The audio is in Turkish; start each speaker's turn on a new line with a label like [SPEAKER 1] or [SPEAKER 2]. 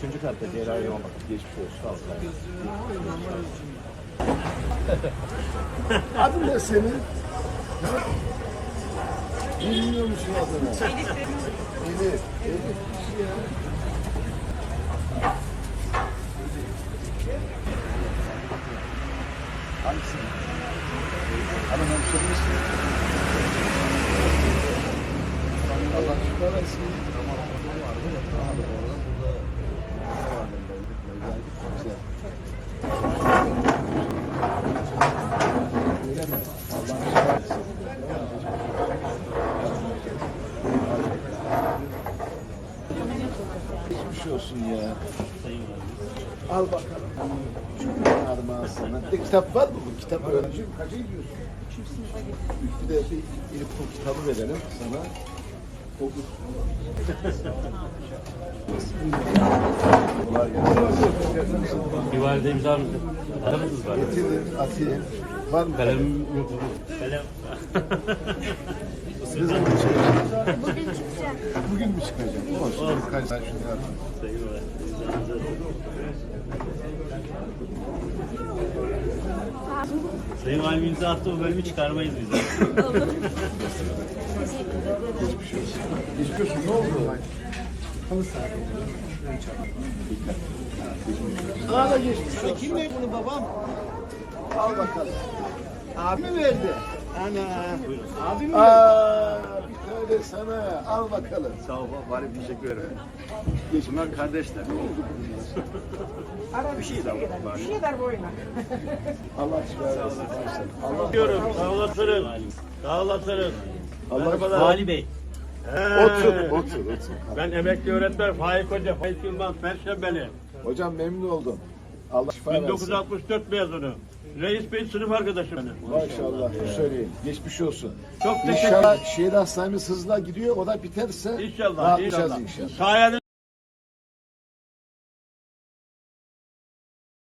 [SPEAKER 1] Üçüncü katta cerrahi olmak. Geçmiş olsun. Sağ olun.
[SPEAKER 2] Adın ne senin? Bilmiyor musun adını? Elif. Elif kişi ya. Hangisi? Hanım hemşire misin? Allah şükür versin. Geçmiş olsun ya. Al bakalım. Şu armağan sana. Bir de kitap var mı bu? Kitap öğrenci. Kaça gidiyorsun? Bir de bir ilk kitabı verelim sana. Okur. Kolay gelsin.
[SPEAKER 3] Bir valide imza mısın? Aramızız var.
[SPEAKER 2] Getirin, atayım. Var mı?
[SPEAKER 3] Kalem yok. Kalem.
[SPEAKER 2] Ne zaman çıkacak?
[SPEAKER 4] Bugün çıkacak.
[SPEAKER 2] Bugün mü çıkacak? Olsun. Kaç tane şunu yapayım.
[SPEAKER 3] Sayın Valim imza attı, bu bölümü çıkarmayız biz.
[SPEAKER 2] Geçmiş olsun. Ne oldu? Sana da geçmiş olsun.
[SPEAKER 1] Kim verdi bunu babam?
[SPEAKER 2] Al bakalım.
[SPEAKER 1] Abi mi verdi? Ana. Abi mi verdi?
[SPEAKER 2] Aa, bir tane sana. Al bakalım.
[SPEAKER 1] Sağ ol bari teşekkür ederim. Bunlar kardeşler. Bir şey daha var.
[SPEAKER 4] Bir şey ver boyuna.
[SPEAKER 2] Allah şifa versin. Allah
[SPEAKER 3] Diyorum, sağ olasınız. Sağ olasınız.
[SPEAKER 2] Allah
[SPEAKER 3] Vali Bey.
[SPEAKER 2] otur.
[SPEAKER 3] Ben emekli öğretmen Faik Hoca, Faik Yılmaz, Perşembeli.
[SPEAKER 2] Hocam memnun oldum. Allah şifa versin.
[SPEAKER 3] 1964 mezunu. Reis Bey sınıf arkadaşım benim.
[SPEAKER 2] Maşallah. Söyleyeyim. Geçmiş olsun.
[SPEAKER 3] Çok teşekkür
[SPEAKER 2] İnşallah şehir hastanemiz hızla gidiyor. O da biterse
[SPEAKER 3] İnşallah.
[SPEAKER 2] rahatlayacağız inşallah.
[SPEAKER 3] Sayenizde